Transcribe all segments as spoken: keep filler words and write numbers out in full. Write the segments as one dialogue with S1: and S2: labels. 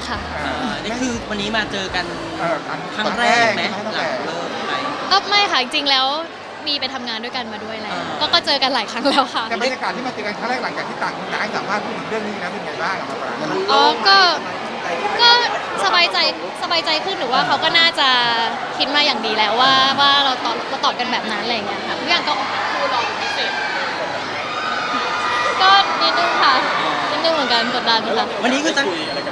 S1: ค่ะ
S2: นี่คือวันนี้มาเจอกันครั้งแรกไหมหลังเลิกไป
S1: ก็ไม่ค่ะจริงๆแล้วมีไปทำงานด้วยกันมาด้วยแล้วก็ก็เจอกันหลายครั้งแล้วค่ะ
S3: แต่บรรยากาศที่มาเจอกันครั้งแรกหลังจากที่ต่างคนต่างให้สัมภาษณ์พูดถึงเรื่องนี้นะเป็นไงบ้างครับมาปราง
S1: อ๋อก็ก็สบายใจสบายใจขึ้นหรือว่าเขาก็น่าจะคิดมาอย่างดีแล้วว่าว่าเราตอบเราตอบกันแบบนั้นอะไรอย่างเงี้ยค่ะทุกอย่างก็ดูรอพิเศษก็นิดนึงค่ะนิดนึงเหมือนกันกดดันค่ะ
S2: วันนี้คือตั้ง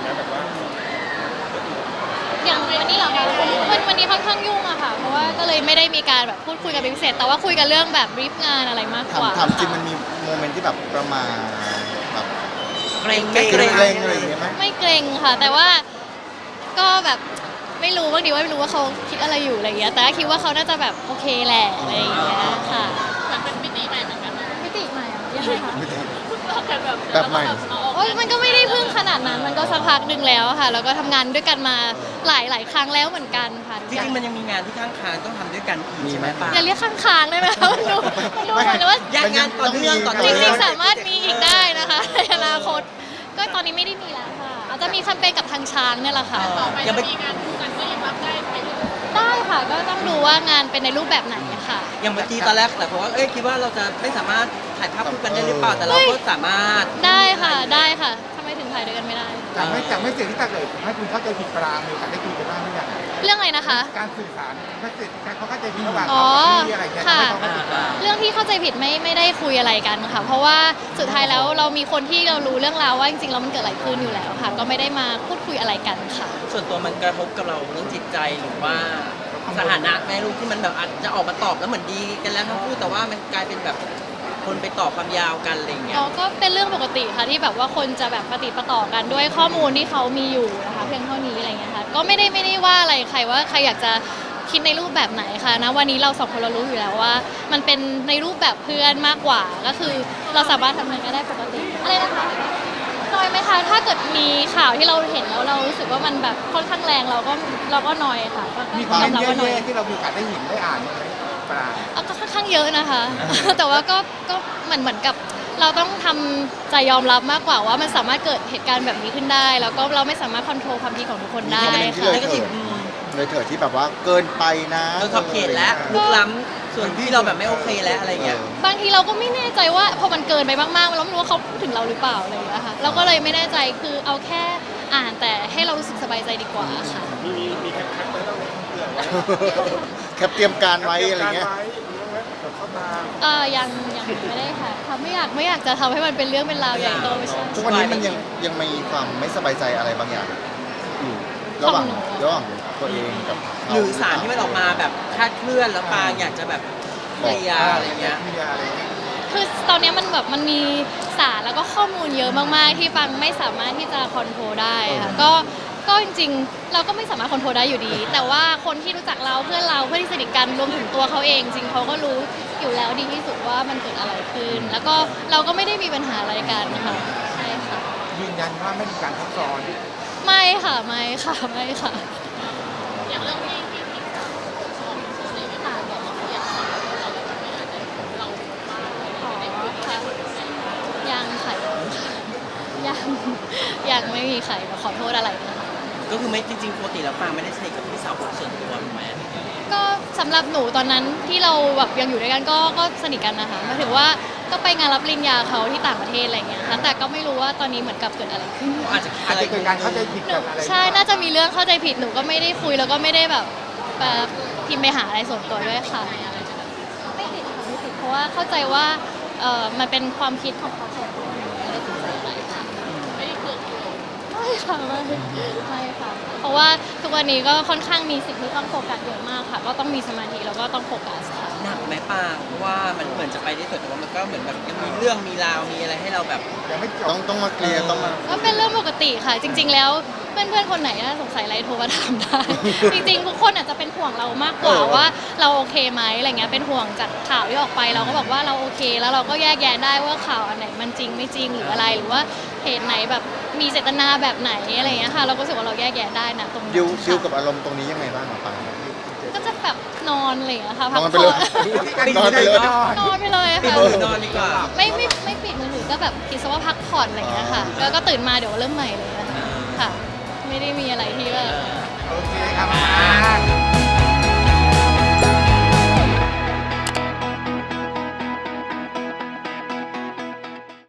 S1: อย่างวันนี้เหรอคะวันวันนี้ค่อนข้างยุ่งอะค่ะเพราะว่าก็เลยไม่ได้มีการแบบพูดคุยกันเป็นพิเศษแต่ว่าคุยกันเรื่องแบบบรีฟงานอะไรมากกว่า
S4: ถามจริงมันมีโมเมนต์ที่แบบประมาณแบบ
S2: เกรงเก
S4: เก
S2: ร
S4: รง งเกรงอะไรอย่างเงี้ยไหม
S1: ไม่เกรงค่ะ แต่ว่าก็แบบไม่รู้บางทีว่าไม่รู้ว่าเขาคิดอะไรอยู่อะไรอย่างเงี้ยแต่คิดว่าเขาน่าจะแบบโอเคแหละอะไรอย่างเงี้ยค่ะเหมือนเป็นมิติใหม่เหมือนกันมิติใหม่อะยังไงคะ
S4: แบบใหม่
S1: โอ้ยมันก็ไม่ได้เพิ่งขนาดนั้นมันก็สักพักหนึ่งแล้วค่ะแล้วก็ทำงานด้วยกันมาหลายหลายครั้งแล้วเหมือนกันค่ะ
S2: จริงๆมันยังมีงานที่ข้างค้างต้องทำด้วยกันอีกใช่ไหมป้า
S1: อย่าเรียกข้างๆได้ไหมคะมันดูมันดูเหมือนว่า
S2: งานต่อเนื่องต่อ
S1: จ
S2: เนื่อง
S1: ริงๆสามารถมีอีกได้นะคะในอนาคตก็ตอนนี้ไม่ได้มีแล้วค่ะอาจจะมีแคมเปญกับทางช้างเนี่ยแหละค่ะ
S2: ต่อไปจะมีงาน
S1: ได้ค่ะก็ต้องดูว่างานเป็นในรูปแบบไหนอะค่ะ
S2: อย่างเมื่อกี้ตอนแรกแต่ผมว่าเอ้ยคิดว่าเราจะไม่สามารถถ่ายภาพคู่กันได้หรือเปล่าแต่เราก็สามารถ
S1: ได้ค่ะได้ค่ะทำไมถึงถ่ายด้วยกันไม่ได้
S3: จากไม่จากไม่เสียที่ตาเกิดให้คุณเข้าใจผิดปรางมีโอกาสได้คุยกันบ้างหรือยัง
S1: เรื่องอะไรนะคะ
S3: การสื่อสารไม่เสียเขาเข้าใจผิดระหว่าง
S1: อ๋อ
S3: ที่อะไรเงี้ย
S1: ค่ะ
S3: ไม่เข้าใจผิดปราง
S1: เรื่องที่เข้าใจผิดไม่ไม่ได้คุยอะไรกันค่ะเพราะว่าสุดท้ายแล้วเรามีคนที่เรารู้เรื่องราวว่าจริงๆแล้วมันเกิดอะไรขึ้นอยู่แล้วค่ะ ก็ไม่ได้มาพูดคุยอะไรกันค่ะ
S2: ส่วนตัวมันกระทบกับเราเรื่องจิตใจหรือว่าสถานะแม่ลูกที่มันแบบอาจจะออกมาตอบแล้วเหมือนดีกันแล้วทั้งคู่แต่ว่ามันกลายเป็นแบบคนไปต่อความยาวกันอะไรอย่างเงี้ย
S1: อ๋อก็เป็นเรื่องปกติค่ะที่แบบว่าคนจะแบบปฏิปต่อกันด้วยข้อมูลที่เขามีอยู่นะคะเพียงเท่านี้อะไรเงี้ยค่ะก็ไม่ได้ไม่ได้ว่าอะไรใครว่าใครอยากจะคิดในรูปแบบไหนค่ะนะวันนี้เราสองคนเรารู้อยู่แล้วว่า มันเป็นในรูปแบบเพื่อนมากกว่าก็คือเราสามารถทำงานกันได้ปกติอะไรนะคะนอยไหมคะถ้าเกิดมีข่าวที่เราเห็นแล้วเรารู้สึกว่ามันแบบค่อนข้างแรงเราก็เราก็นอยค่ะก็
S3: มีค
S1: ก็
S3: วาม
S1: ยอมรับ
S3: เย
S1: ว่านอย
S3: อะๆที่เรามีโอกาสได้เห็นได้อ่านไหมปราง
S1: เอาก็ค่อนข้างเยอะนะคะ แต่ว่าก็ก็เหมือนเหมือนกับเราต้องทำใจยอมรับมากกว่าว่ามันสามารถเกิดเหตุการณ์แบบนี้ขึ้นได้ แล้วก็เราไม่สามารถควบคุมความคิดของทุกคนได้
S4: มีโมเมนต์ที่
S1: ค่ะ
S4: เลยเถิดเลยเถิดที่แบบว่าเกินไปนะ
S2: เออขอบเขตแล้วลุกล้ำส่วนที่เราแบบไม่โอเคแล้วอะไรเงี้ย
S1: บางทีเราก็ไม่แน่ใจว่าพอมันเกินไปมากๆเราไม่รู้ว่าเขาพูดถึงเราหรือเปล่าอะไรอย่างเงี้ยค่ะเราก็เลยไม่แน่ใจคือเอาแค่อ่านแต่ให้เรารู้สึกสบายใจดีกว่าค่ะ
S3: มีมีแคปแคปไว้บ้างไหมเพื่อน
S4: แคปเตรียมการไว้อะไรเงี้ย
S3: เข้ามา
S1: เออยังยังไม่ได้ค่ะทำไม่อยากไม่อยากจะทำให้มันเป็นเรื่องเป็นราวใหญ่โตไม่ใช่
S4: ทุกวันนี้มันยังยังมีความไม่สบายใจอะไรบางอย่างอยู่ระหว่างระหว่างตัวเองกับเขา
S2: หรือสารที่มันออกมาแบบคลาดเคลื่อนแล้วปางอยากจะแบบเคลียร์อะไรเงี้ย
S3: มีอะไรเงี้ย
S1: คือตอนนี้มันแบบมันมีสารแล้วก็ข้อมูลเยอะมากๆ ที่ฟังไม่สามารถที่จะคอนโทรลได้ค่ะก็ก็จริงๆ เราก็ไม่สามารถคอนโทรลได้อยู่ดี แต่ว่าคนที่รู้จักเราเพื่อนเราเพื่อนที่สนิทกันรวมถึงตัวเขาเอง จริงเขาก็รู้อยู่แล้วดีที่สุดว่ามันเกิดอะไรขึ้น แล้วก็เราก็ไม่ได้มีปัญหาอะไรกันค่ะใช่ค่ะ
S3: ยืนยันว่าไม่มีการทับซ้อน
S1: ไม่ค่ะไม่ค่ะไม่ค่ะ
S5: อย่างเรื่องที่ที่ที่สาวของในเว็บไซต์เนี่ยเราอยากให้เราไม่อาจจะเรามาไม่ได้คุยกัน
S1: ยังค่ะยังยังไม่มีใครมาขอโทษอะไรนะคะ
S2: ก็คือไม่จริงๆปกติแล้วปางไม่ได้สนิทกับพี่สาวผมส่วนตัวถูกไหม
S1: ก็สำหรับหนูตอนนั้นที่เราแบบยังอยู่ด้วยกันก็ก็สนิทกันนะคะหมายถึงว่าก็ไปงานรับปริญญาเขาที่ต่างประเทศอะไรเงี้ยค่ะแต่ก็ไม่รู้ว่าตอนนี้เหมือนกับเกิดอะไรขึ้น
S2: อาจจะคิด
S3: อาจ
S2: อะไร
S3: จะเกิดการเข้าใจผิดกันอะไร
S1: ใช่น่าจะมีเรื่องเข้าใจผิดหนูก็ไม่ได้คุยแล้วก็ไม่ได้แบบแบบพิมพ์ไปหาอะไรส่วนตัวด้วยค่ะไม่ติดค่ะไม่ติดเพราะว่าเข้าใจว่าเออมันเป็นความคิดของเขาส่วนตัวหนูไม่ได้ติดใจอะไรค่ะ
S5: ไม่ได้เกิด
S1: ไม่ค่ะไม่ไม่ค่ะเพราะว่าทุกวันนี้ก็ค่อนข้างมีสิ่งที่ต้องโฟกัสเยอะมากค่ะ ก็ต้องมีสมาธิแล้วก็ต้องโฟกัสค่ะ
S2: หนักไหมปางเพราะว่ามันเหมือนจะไปได้สวยแต่ว่ามันก็เหมือนแบบยังมีเรื่องมีราวมีอะไรให้เราแบบ
S3: ยังไม่จ
S4: ต้อบ งต้องมาเคลียร์ต้องมา
S1: ก็เป็นเรื่องปกติค่ะ จริง ๆ แล้วเพื่อนๆคนไหนน่าสงสัยอะไรโทรมาถามได้ จริงๆทุกคนอาจจะเป็นห่วงเรามากกว่าว่าเราโอเคไหมอะไรเงี้ยเป็นห่วงจากข่าวที่ออกไปเราก็บอกว่าเราโอเค แล้วเราก็แยกแยะได้ว่าข่าวอันไหนมันจริงไม่จริงหรืออะไรหรือว่าเหตุไหนแบบมีเจตนาแบบไหนอะไรเงี้ยค่ะเราก็รู้สึกว่าเราแยกแยะได้นะตรงนี้
S4: ดิวดิว
S1: ค่ะ
S4: กับอารมณ์ตรงนี้ยังไงบ้างอะปัง
S1: ก็จะแบบนอนอะไรอย่างเงี้ยค่ะ
S4: นอนไปเลย
S3: นอนไปเลย
S1: นอนไปเลย
S2: ปิด
S1: ค่ะ
S2: มือนอนดีกว่า
S1: ไม่ไม่ไม่ปิดมือถือก็แบบคิดซะว่าพักผ่อนอะไรอย่างเงี้ยค่ะแล้วก็ตื่นมาเดี๋ยวเริ่มใหม่เลยอะค่ะไม่ได้มีอะไรที่แบบ
S2: เออ
S3: โอเคครับ